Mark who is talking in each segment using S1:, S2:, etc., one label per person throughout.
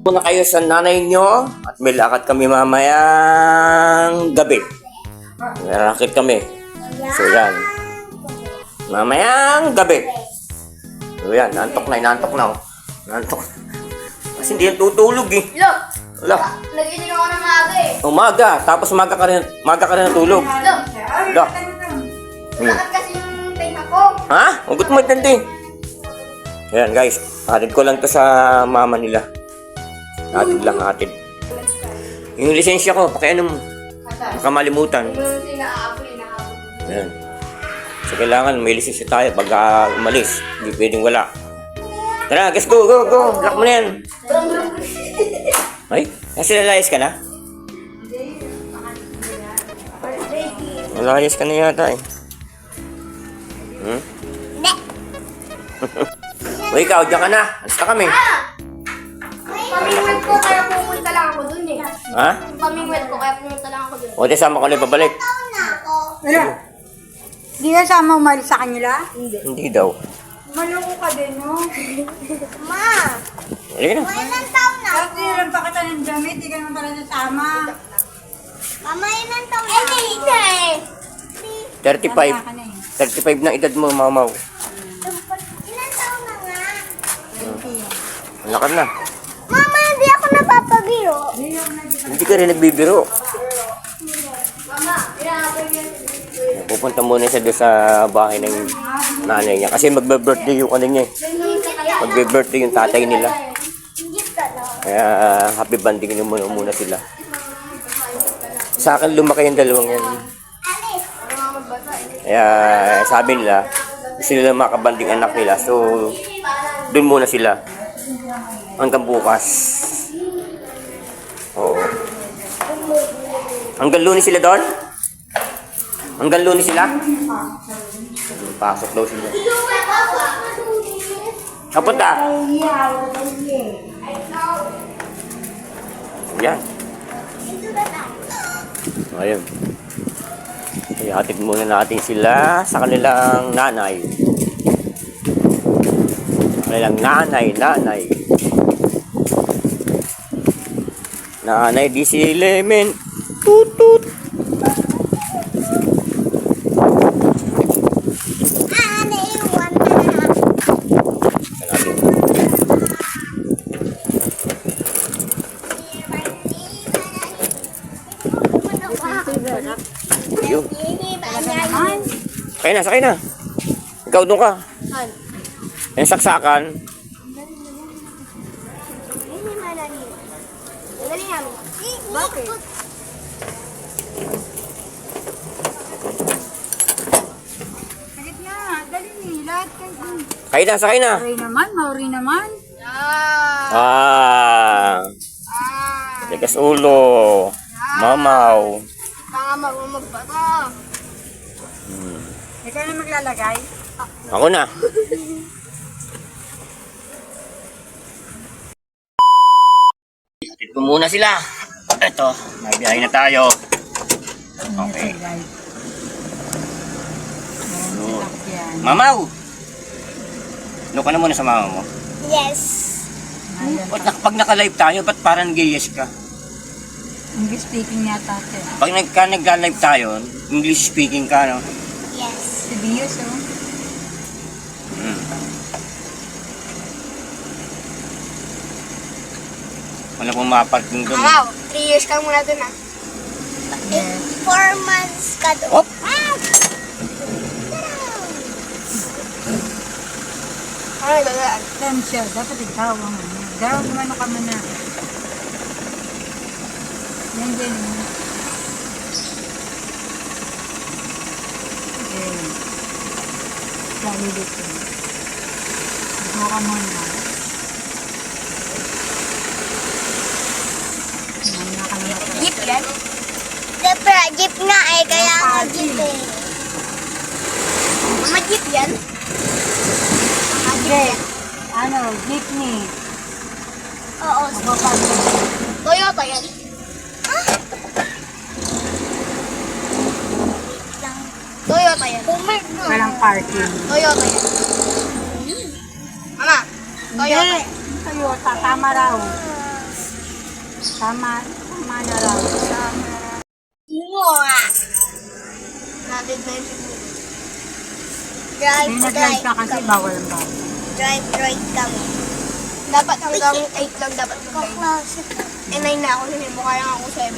S1: muna kayo sa nanay nyo at may lakad kami mamayang gabi. May racket kami. So yan. Mamayang gabi. So yan, nantok na. Nantok. Kasi hindi yan tutulog eh.
S2: Look!
S1: Wala.
S2: Nagising ako ng maaga eh.
S1: Umaga, tapos maga ka rin natulog.
S2: Look!
S1: Wala.
S2: Lakad kasi yung tenga ko.
S1: Ha? Huwag mo intindi. Ayan guys, hatid ko lang to sa mama nila. Hatid. Yung lisensya ko, pakiano mo. Baka malimutan.
S2: Yung inaabol.
S1: Ayan. So kailangan may lisensya tayo pag umalis. Hindi pwedeng wala. Tara, guys, go. Lock mo na yan. Ay, kasi lalayas ka na? Lalayas ka na yata eh. O ikaw, dyan ka na. Alis na kami.
S2: Pamingwet ko kaya pumunta lang ako dun eh.
S1: Ha?
S2: Pamingwet ko kaya pumunta lang ako dun.
S1: O, di sama ko na babalik.
S3: Wala. Di ka sama umalis sa kanila?
S1: Hindi daw.
S3: Maloko ka din, no?
S2: Ma!
S1: Halika na.
S2: Ilang taon na?
S3: Kasi lang pa kita ng damit, di ka naman pala nasama.
S2: Mama, ilang taon na? Ay, hindi eh.
S1: 35. 35 na edad mo, mamaw.
S2: Ilang taon na nga?
S1: Lakad na.
S2: Mama, hindi ako napapabiro.
S1: Hindi ka rin nagbibiro.
S2: Mama, ilang yan.
S1: Pupunta muna siya doon sa bahay ng nanay niya. Kasi magbe-birthday yung ano niya eh. Magbe-birthday yung tatay nila. Kaya happy banding muna sila. Sa akin lumaki yung dalawang yan. Kaya sabi nila, gusto nila makabanding anak nila. So, doon muna sila. Hanggang bukas. Oo. Hanggang Lunes sila doon? Hanggang Lunes sila? Pasok daw sila. Kapunta? Yan. Ayun. Ihatid muna natin sila sa kanilang nanay. Nanay. Nanay, di si Lemon. Tut. Ayun. Sakay na. Ikaw doon ka. Yung saksakan.
S2: Bakit?
S3: Sagit na, dali ni, lahat kayo.
S1: Sakay na.
S3: Mauri naman.
S1: Tigas ulo. Mamaw.
S2: Tanga magbata.
S3: Ikaw na maglalagay.
S1: Ako na. Hatid ko muna sila. Ito, nabiyahe na tayo. Okay. Mamaw! Ano ka na muna sa mama mo?
S2: Yes.
S1: Ba't pag naka-live tayo, ba't parang gayes ka?
S3: English speaking yata ate.
S1: Pag nagka-live tayo, English speaking ka, no?
S2: Yes.
S3: Serious, oh.
S1: Wala pong maparking doon.
S2: Wow, 3 years ka muna dun ah.
S3: Yes.
S2: 4 months ka dun.
S1: Hop!
S2: Ano dadaan?
S3: Siya, dapat ikaw ang ano. Daw, gumano ka muna. Yan din. Okay. Lalo dito. Ikaw ka muna. Mamaya ka na matapos.
S2: Jeep yan? Siyempre, jeep nga eh, kaya nga jeep eh. Mama, jeep yan?
S3: Okay. Ano, jeepney.
S2: Oo, Toyota yan. Toyota yan.
S3: Walang parking.
S2: Toyota yan. Mama, Toyota.
S3: Toyota, tama raw. Tama na raw.
S2: Mo ah.
S4: Natin na yun siguro.
S2: Drive,
S3: May nag-live ka kasi bawal ang bawal.
S2: drive kami.
S4: Dapat hanggang 8 lang dapat mag-live.
S2: Kaklase.
S4: Eh, 9 na ako. Hindi mo kaya ako 7.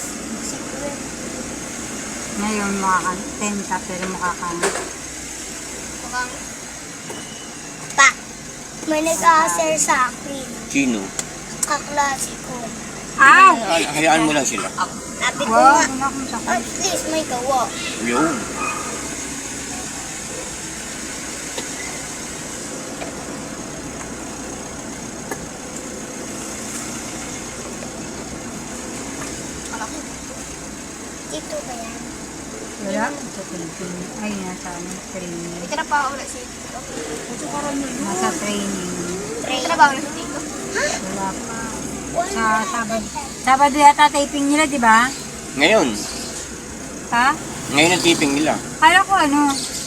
S3: Ngayon mukha 10 ka pero mukha kang
S4: Mukhang
S2: Pa, may nag-a-share sa akin.
S1: Sino?
S2: Kaklase ko.
S3: Ow!
S1: Hayaan mo lang sila.
S2: Sabi ko
S3: Wow,
S2: nga,
S3: wala akong sakit.
S2: at least may gawa.
S1: Yun.
S2: Ito ba yan?
S3: Wala. Sa training. Ay, nasa ano, training.
S4: may trabaho na si Tito.
S3: Nasa training.
S4: May trabaho na si Tito.
S3: Wala pa. Sa Sabado. Sabado yata taping nila, di ba?
S1: Ngayon.
S3: Ha?
S1: Ngayon ang tipping nila.
S3: Kala ko ano,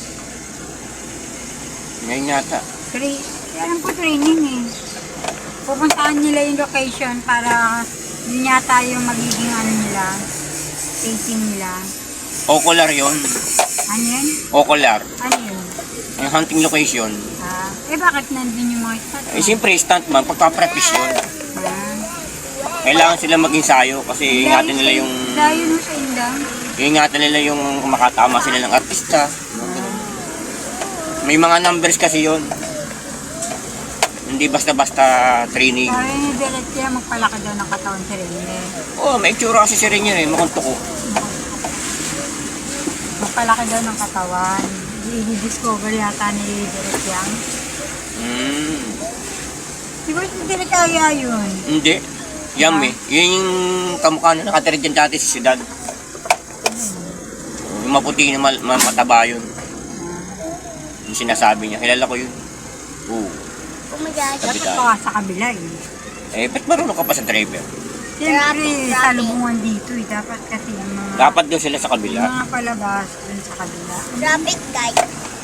S1: Ngayon yata.
S3: alam ko training eh. Pupuntahan nila yung location para yun yata yung magiging ano nila, taping nila.
S1: Ocular yun.
S3: Ano yun?
S1: Ocular.
S3: Ano yun?
S1: Ang hunting location.
S3: Bakit nandun yung mga stat?
S1: Eh, siyempre, stuntman, pagpapractice yun. Kailangan sila mag-ensayo kasi ingatan nila yung...
S3: Dayo no sa indang.
S1: Ingatan nila yung makatama sila ng artista. May mga numbers kasi yun. Hindi basta-basta training.
S3: Sabi ni Belet kaya magpalaki daw ng katawan si Rene.
S1: Oh, may itsura kasi si Rene eh, makunto ko.
S3: Magpalaki daw ng katawan. I-discover yata ni Belet yang. Di ba si Belet kaya yun?
S1: Hindi. Yum eh. Yun yung kamukha na nakatira dyan dati sa siyudad. Yung maputi na mataba yun. Yung sinasabi niya. Kilala ko yun. Oo.
S2: Oh my gosh.
S1: Sabi
S3: Dapat
S1: tayo.
S3: pa sa kabila eh.
S1: Eh, ba't marunong ka pa sa driver?
S3: Siyempre, salubungan dito eh. Dapat kasi yung mga...
S1: Dapat doon sila sa
S3: Yung
S1: kabila.
S3: mga palabas dun sa kabila.
S2: Traffic guy.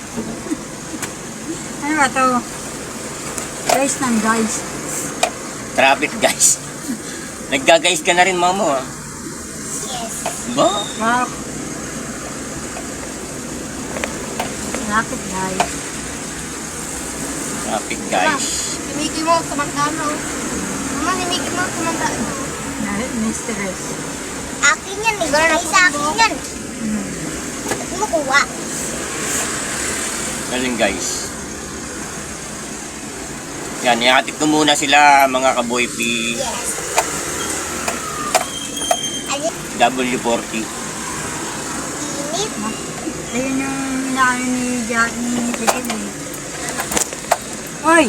S3: Ano ba to? Guys ng guys.
S1: Traffic guys. Nagga-guys ka na rin, mama. Ah.
S2: Yes.
S1: Ba?
S3: Wow. Traffic guys.
S1: Traffic guys.
S4: Si Mickey Mouse, kumandaan o. Mama, si Mickey Mouse, kumandaan o.
S3: Mistress.
S2: Akin yan eh. Ay, sa akin yan. Ba't mo kuha?
S1: Galing guys. Yan, ihatid ko muna sila mga kaboy P.
S2: Yes. Alin?
S1: W40.
S2: Init.
S3: Ayun yung inaano ni Chicken eh. Oy!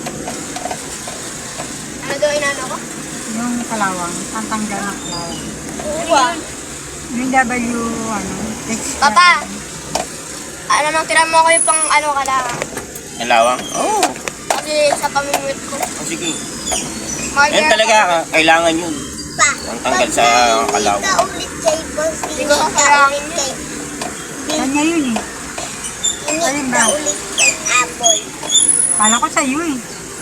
S4: Ano daw inano ko?
S3: Yung kalawang. Pantanggal ng kalawang.
S2: Kuha.
S3: Yung W, ano, extra.
S4: Papa! Ano nang tira mo ako yung pang ano ka lang.
S1: Nalawang? Oo. Oh.
S4: Kasi sa pamimit ko.
S1: Oh, sige.
S4: Mahal
S1: Yan
S4: yan.
S1: talaga, kailangan yun.
S2: Pa.
S1: Ang tanggal sa kalaw.
S2: Hindi ka ulit kay boss.
S4: Hindi
S2: Hindi
S4: ko
S2: ka
S4: kailangan
S2: ulit kay...
S3: Kanya yun eh.
S2: Hindi
S3: Alin
S2: ka
S3: ba?
S2: ulit kay Apple.
S3: Kala ko sa'yo eh.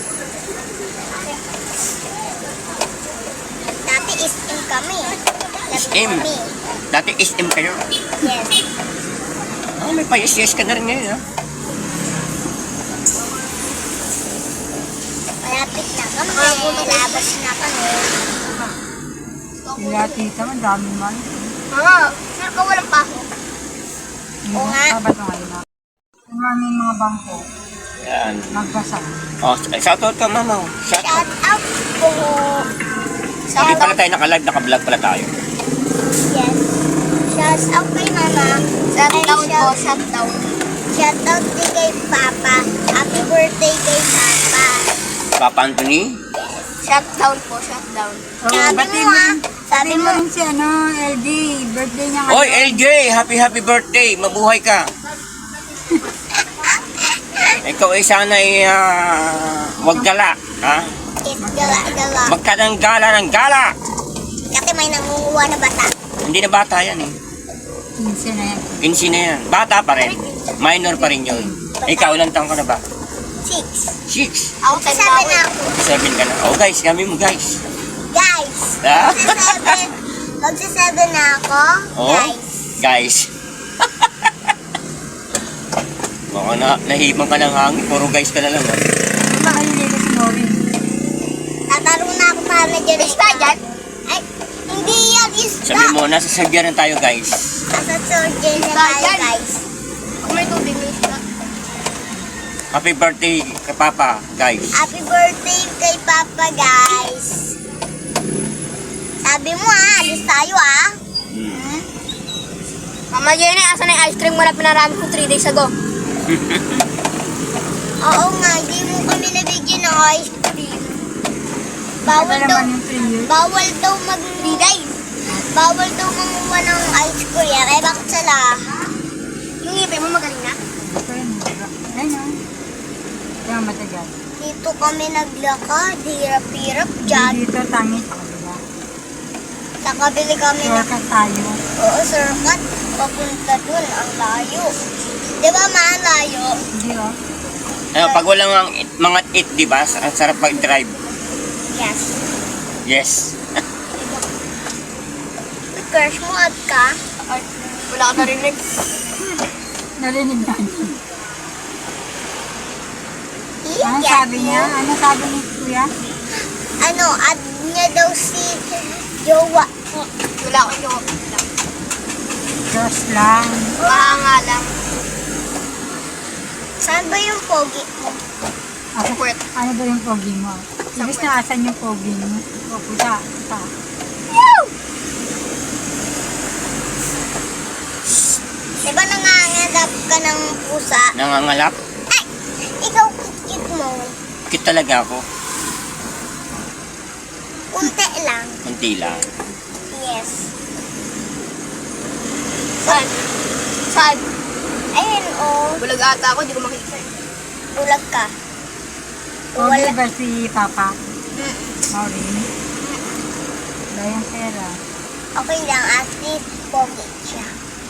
S2: Dati SM kami.
S1: SM? Dati SM kayo.
S2: Yes.
S1: Ah, may pa-yes ka na rin ngayon, ha?
S2: Malapit na kami. Labas na kami.
S3: Sila tita, madami man.
S4: Mama, sure ka walang pasok.
S2: Oo nga.
S3: Sabado ngayon na. Yung aming mga bangko,
S1: Yan.
S3: magbasa.
S1: Oh, shoutout ka, mama. Shoutout.
S2: Shout out po.
S1: Hindi pala tayo naka-live, naka-vlog pala tayo.
S2: Yes. Shout out kay mama.
S4: Shutdown po, shutdown.
S2: Shout out din kay Papa. Happy birthday kay Papa.
S1: Papa Anthony.
S4: Shutdown po, shutdown.
S2: Sabi
S3: bati
S2: mo ah.
S3: Sabi mo rin si ano, LD, birthday niya
S1: Oy, LJ! Happy birthday! Mabuhay ka! Ikaw ay sana ay wag gala, ha?
S2: Yes, gala-gala.
S1: Magka ng gala!
S2: Kasi may nangunguha na bata.
S1: Hindi na bata yan eh.
S3: Minsan na yan.
S1: 15 na yan. Bata pa rin. Minor pa rin yun. Ikaw, ilang taong ka na ba?
S2: 6.
S1: 6.
S4: Ako, 10 na
S2: Sabi
S4: ako.
S2: na ako.
S1: 7 ka na. Oh guys, kami mo guys.
S2: Guys,
S1: Ah?
S2: Magsa-7 na ako,
S1: Oh?
S2: guys.
S1: Guys. Baka nahibang ka ng hangin. Puro guys ka na lang. Ha?
S3: Makalilito si Nori.
S2: Tatarong na ako para na dyan. Isda dyan? Ay, hindi yan isda.
S1: Sabi mo, nasa sagyanan tayo guys.
S2: Nasa surgeon na tayo, guys.
S4: Kung may tubig, may isda.
S1: Happy birthday kay Papa, guys.
S2: Happy birthday kay Papa, guys. Sabi mo alis tayo
S1: Hmm.
S4: Mama Jenny, asan na yung ice cream mo na pinarami ko 3 days ago?
S2: Oo nga, hindi mo kami nabigyan ng ice cream. Bawal
S3: Ano
S2: daw,
S3: naman yung 3 years?
S2: bawal daw magbigay. Bawal daw manguha ng ice cream. Eh, bakit sala?
S4: Yung ngipin mo magaling na?
S3: Ito yun. Ayun o. Kaya matagal.
S2: Dito kami naglakad, hirap-hirap dyan.
S3: Dito tangi sa kabila.
S2: Nakabili kami ng
S3: Shortcut tayo.
S2: oo, surkat. Papunta dun, ang layo. Di ba, malayo?
S3: Hindi o.
S1: Ano, pag walang mga eat, di ba? Ang sarap mag-drive.
S2: Yes.
S1: Yes.
S2: Crush mo at ka?
S4: Ay, wala ka narinig.
S3: Narinig natin. Ano
S2: Yes.
S3: sabi niya? Ano sabi ni Kuya?
S2: Ano, add niya daw si Jowa.
S4: Wala ko yung
S3: Diyos lang.
S4: baka nga lang.
S2: Saan ba yung pogi mo?
S3: Ako,
S4: Kwet.
S3: ano ba yung pogi mo? Ibig na asan yung pogi mo? O, puta.
S2: Di ba nangangalap ka ng pusa?
S1: Nangangalap.
S2: Ay, ikaw kit mo.
S1: Kit talaga ako.
S2: Kunti lang.
S1: Kunti lang.
S2: Yes.
S4: Saan? Saan?
S2: Ayun, oh.
S4: Bulag ata ako, di ko makita.
S2: Bulag ka.
S3: Pogi
S2: Wala.
S3: ba si Papa?
S2: Mm.
S3: Maureen? Wala yung pera.
S2: Okay lang, at least pogi siya.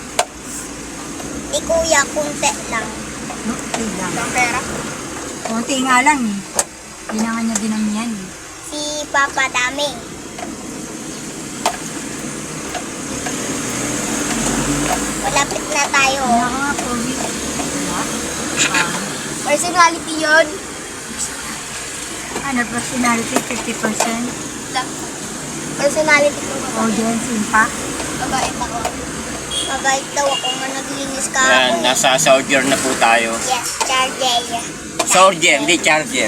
S2: Di kuya, kunti lang.
S3: Okay lang.
S4: Ang pera.
S3: Kunti nga lang eh. Hindi na nga niya dinamihan eh.
S2: Si Papa dami. Malapit na tayo.
S3: Ano ka nga pogi? Wala.
S4: Personality yun.
S3: Ano, personality 50%?
S4: Personality ko ba?
S3: Audience impact?
S4: Mabait ako.
S2: Mabait daw ako nga naglinis ka
S1: Yan,
S2: ako.
S1: nasa soldier na po tayo.
S2: Yes, charger.
S1: Soldier, hindi charger.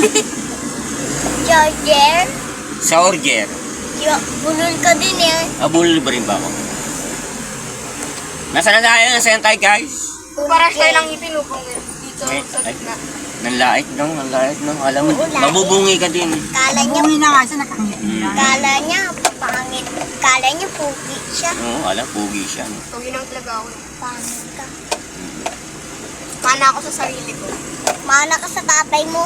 S2: Charger?
S1: Soldier.
S2: Bulol ka din eh.
S1: Abulol ba rin ba ako? Nasaan na tayo? Nasaan tayo guys?
S4: Para tayo lang ipinupong dito
S1: Eh,
S4: sa
S1: ay.
S4: gitna.
S1: Nanlait nung, nanlait nung. Alam mo,
S2: Oo, lait.
S1: mabubungi ka din.
S2: Kala niya,
S3: Bumi na nga siya, nakangiti lang.
S2: kala niya, pangit. Kala niya, pugi siya.
S1: Oo, alam, pugi siya. No?
S4: Tugi lang talaga ako.
S2: Pangit ka.
S4: Mana ako sa sarili ko.
S2: Mana ka sa tatay mo.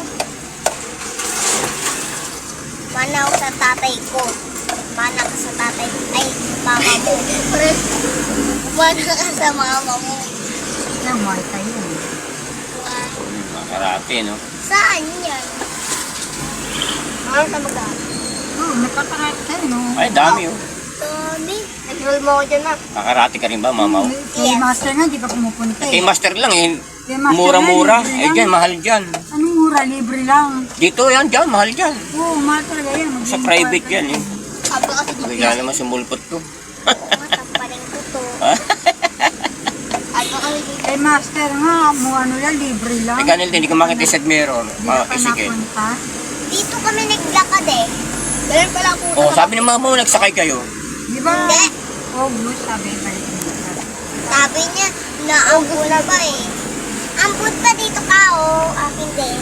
S2: Mana ako sa tatay ko. Mana ka sa tatay. Ay, mama mo. Mana ka sa mama mo.
S3: Yan, Muay Thai yun.
S1: Makarate, no?
S2: Saan yan?
S4: Ano sa mag-aaral?
S3: Oo, nagkakarate tayo, no?
S1: Ay, dami oh.
S2: Tommy.
S4: Nag-roll mo ako dyan, ma.
S1: Kakarate ka rin ba, mamaw?
S3: Kay
S2: Yes.
S3: Master nga, di ka pumupunta
S1: Kay
S3: eh.
S1: master lang eh.
S3: Kay Master
S1: Mura-mura.
S3: nga, libre
S1: Eh,
S3: lang.
S1: dyan, mahal dyan.
S3: Anong mura? Libre lang.
S1: Dito yan, dyan, mahal dyan.
S3: Oo, mahal talaga yan.
S1: Sa private yan eh.
S4: Sabi kasi dito.
S1: Bigla naman sumulpot ko.
S2: Matapaling ko to.
S4: Sabi kasi dito.
S3: Kay Master nga, mo ano lang, libre lang.
S1: Eh, ganil din, hindi ko makita sa mirror.
S3: Hindi ka pa
S1: Sige.
S3: napunta.
S2: Dito kami naglakad eh.
S4: Ganun pala ako.
S1: Oh, sabi ng mama mo, nagsakay kayo.
S3: Di ba?
S2: Hindi.
S3: August, sabi balik mo.
S2: Sabi niya, naambot pa eh. Ambot pa dito ka oh. Akin din.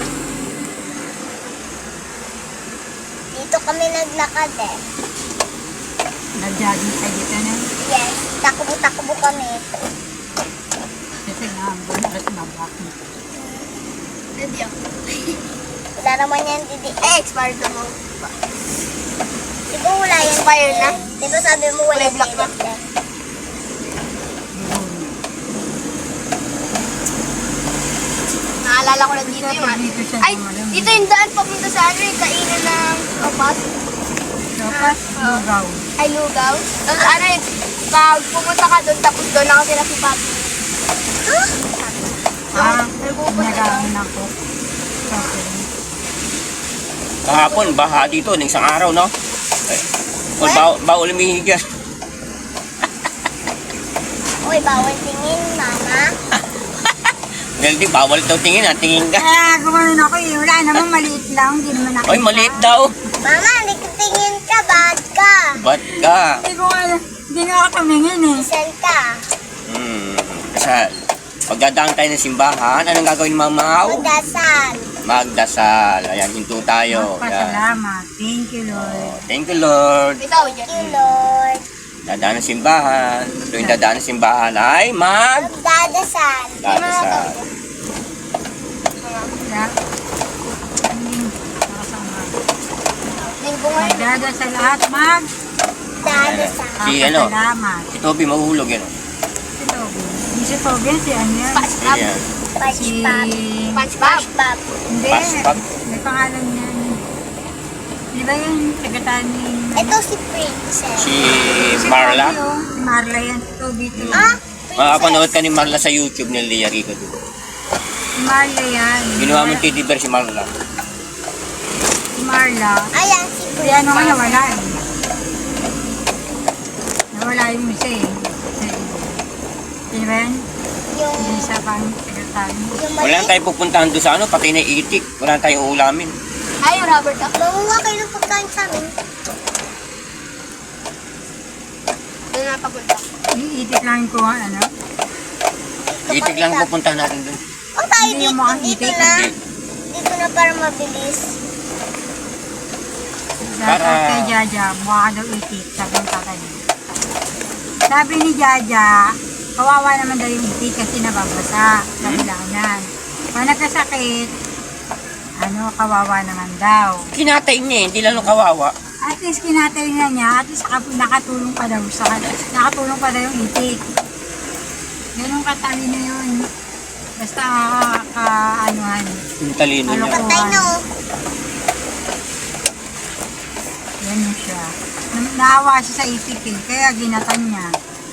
S2: Dito kami naglakad eh.
S3: Nag-jogging sa dito na.
S2: Yes, takbo-takbo kami.
S3: Kasi nga, bukas na bakit.
S4: Hindi ako.
S2: Wala naman yan, Didi.
S4: Eh, expired na mo.
S2: Di ba wala yan?
S4: Expired na?
S2: Di ba sabi mo wala
S4: Kulay black na?
S2: yan?
S4: Naalala ko lang dito yung
S3: Dito siya
S4: Ay,
S3: naman.
S4: dito yung daan papunta sa ano yung kainan ng kapas.
S3: So, Tapos, lugaw.
S4: Ay, lugaw. Tapos ano yun, pag pumunta ka doon, tapos doon ako sila si Papi.
S3: Nagaon ako. Okay.
S1: Kahapon, baha dito, ng isang araw, no? Bawal umihigas.
S2: Uy, bawal tingin, mama.
S1: Dahil di, bawal daw tingin, ha? Tingin ka.
S3: Kaya gumanon ako eh. Wala naman, maliit lang. Hindi naman nakita.
S1: Oy, maliit daw.
S2: Mama, hindi ka tingin ka, bad ka.
S1: Ba't ka?
S3: Hindi nga ako tumingin eh.
S2: Isan ka.
S1: Kasi, pagdadaan tayo ng simbahan, anong gagawin, Mamaw?
S2: Magdasal.
S1: Magdasal. Ayan, hinto tayo. Ayan.
S3: Pasalamat. Thank you, Lord.
S1: Thank you, Lord.
S4: Ikaw, dyan.
S2: Thank you, Lord.
S1: Dadaan ng simbahan. Tuwing dadaan ng simbahan ay
S2: Magdadasal.
S1: magdadasal.
S3: Kaya, hindi nakasama.
S4: Linggo nga.
S3: Magdada sa lahat,
S2: Magdadasal.
S1: Si ano?
S3: Pasalamat.
S1: Si Toby mahuhulog yan.
S3: Si Toby. Hindi si Toby, si ano yan?
S4: SpongeBob.
S1: Ayan.
S3: Si...
S2: Punch pop.
S4: SpongeBob.
S2: Punch pop.
S3: Hindi.
S1: Paspag.
S3: May pangalan niyan. Di ba yung tagatan ni...
S2: Ito si Princess.
S1: Si Marla.
S3: Toby, oh. Si Marla yan. Si Toby to.
S2: Ah,
S1: Makapanood ka ni Marla sa YouTube ni Lea Rico.
S3: Si Marla yan.
S1: Ginawa mong teddy bear si Marla.
S3: Si Marla.
S2: Ayan si
S3: Si
S2: Princess.
S3: ano nga nawala eh. Nawala yung isa eh. Si Ben?
S2: Yung,
S3: Yung isa pang tagatan.
S2: yung
S1: Wala na
S2: mali.
S1: tayong pupuntahan doon sa ano, pati na itik. Wala na tayong ulamin.
S4: Ay, yung rubber duck.
S2: Manguha kayo ng pagkain sa amin.
S4: Doon na papunta.
S3: Iitik lang ko ano.
S1: Itik lang pupuntahan natin doon.
S2: Ang tayo
S3: Hindi
S2: dito,
S3: yung mga
S2: dito
S3: itik.
S2: na.
S1: Hindi.
S2: Dito na para mabilis.
S3: Dapat
S1: Para-
S3: kay Jaja, mukha ka daw itik. Sabi ng tatay niya. Sabi ni Jaja, kawawa naman daw yung itik kasi nababasa sa bilanan. Kung nagkasakit, ano, kawawa naman daw.
S1: Kinatay niya eh, hindi lalo kawawa.
S3: At least kinatay na niya, at least nakatulong pa daw sa nakatulong pa daw yung itik. Ganun katalino yun. Basta anuhan.
S1: Yung talino niya.
S3: Ano?
S2: Patay na oh.
S3: Ganun siya. Naawa siya sa itik eh, kaya ginatan niya.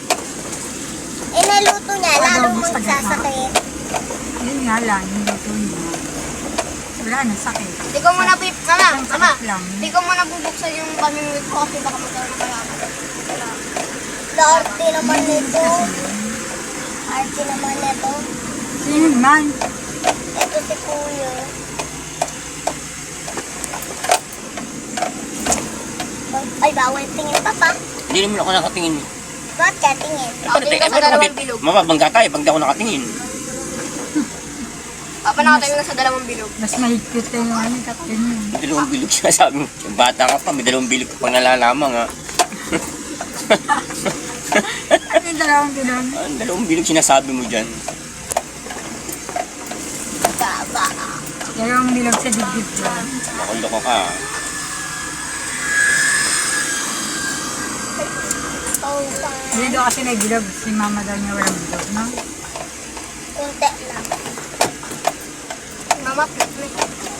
S2: Inaluto niya,
S3: Ano,
S2: lalo
S3: gusto niya.
S2: magsasakit.
S3: Yun nga lang, yung luto niya. Wala na, sakit.
S4: Di ko muna Mama,
S3: Isang
S4: mama.
S3: sakit lang.
S4: Di ko muna bubuksan yung pamimigit ko kasi baka magkaroon ng kalaman.
S2: Arte naman nito.
S3: Kasi yun.
S2: Arte naman nito.
S3: Sino man?
S2: Ito si Kuya. Ay, bawal tingin pa pa.
S1: Hindi naman ako nakatingin.
S2: Bakit ka tingin?
S4: Nakatingin ka sa dalawang bilog.
S1: Mababangga tayo pag di ako nakatingin.
S4: Papa, nakatayo na sa dalawang bilog.
S3: Mas mahigpit na yung ano, kapten yun.
S1: Dalawang bilog siya sabi mo. Yung bata ka pa, may dalawang bilog ka pang nalalamang ha.
S3: At yung dalawang bilog.
S1: Ang dalawang bilog sinasabi mo dyan.
S2: Baba.
S3: Dalawang bilog sa dibdib ko.
S1: Makulo ka.
S2: Oh, fine.
S3: Dito kasi may bilog. Si mama daw niya walang bilog, no?
S2: Kunti lang.
S4: Mama, plate mo.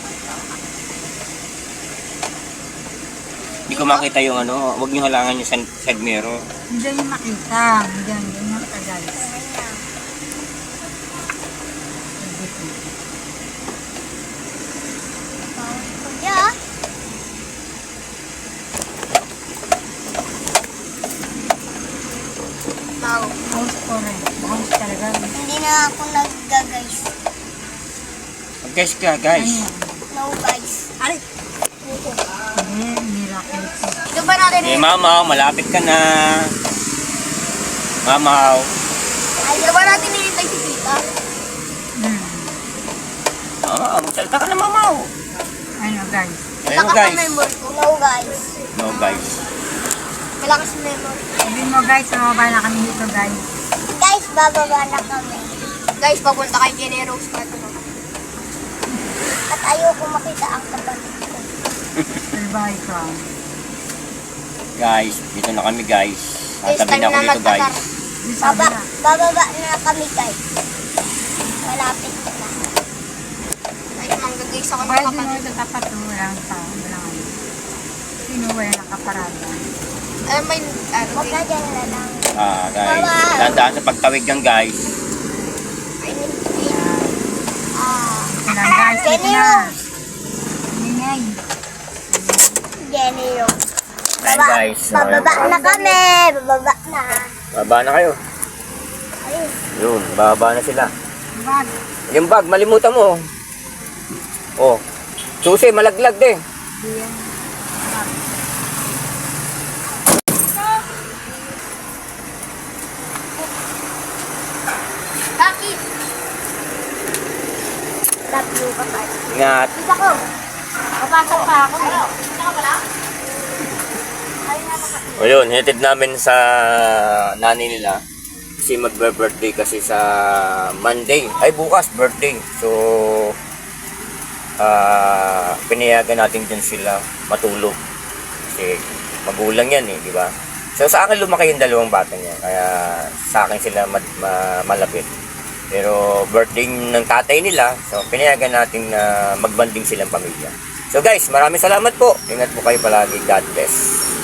S1: Hindi ko makita yung ano, huwag niyo halangan yung side mirror.
S3: Hindi niyo makita. Hindi niyo makagal.
S2: Kuya,
S4: Mau.
S3: House ko rin. House talaga.
S2: hindi na ako nag-guys.
S1: Mag-guys ka, guys.
S3: Ano yan?
S2: No guys.
S3: Aray! Hindi, miracle ko.
S4: Ito ba natin
S1: Eh, Mamaw, malapit ka na. Mamaw.
S4: Ito ba natin nilitay si Tita?
S1: Mamaw, magsalita ka na, Mamaw.
S3: Ano guys?
S1: Ayun,
S4: Lakas
S1: guys.
S4: ang memory ko.
S2: No guys.
S1: No, guys.
S4: Malakas ang memory.
S3: Sabihin mo guys, mababa na kami dito guys.
S2: Guys, bababa na kami.
S4: Guys, papunta kay Jenny Rose na ito.
S2: At ayoko makita ang kapatid ko.
S3: Salbahay ka.
S1: Guys, dito na kami, guys.
S4: Guys,
S1: Tatabi na ako
S4: time na
S1: dito, guys.
S3: Di sabi na.
S2: Bababa na kami guys. Malapit na.
S4: Guys, manggagaysa ko ng
S3: Pwede mo
S4: kapatid.
S3: ito tapat to. Walang tao. Walang ano. Hindi wala nakaparada.
S4: Alam mo yung,
S2: Huwag na dyan na lang.
S1: Guys, tandaan sa pagtawid yan guys.
S3: Ilang guys, ito na. Ingay.
S2: Jenny yung.
S1: Ayan guys.
S2: Bababa na kami. Bababa na.
S1: Baba na kayo.
S2: Ayun.
S1: Yun, baba na sila.
S3: Bag.
S1: Yung bag, malimutan mo. Oh. Susi, malaglag din.
S3: Diyan.
S4: bakit?
S2: Tatlo ka pa.
S1: Ingat.
S2: Isa ko.
S3: Papasok pa ako.
S4: Saka pala?
S1: O yun, hinatid namin sa nanay nila. Kasi magbe-birthday kasi sa Monday. Ay, bukas, birthday. So, pinayagan natin dyan sila matulog. Kasi magulang yan eh, di ba? So, sa akin lumaki yung dalawang bata niya. Kaya sa akin sila malapit. Pero birthday ng tatay nila, so pinayagan natin na magbanding silang pamilya. So guys, maraming salamat po. Ingat po kayo palagi. God bless.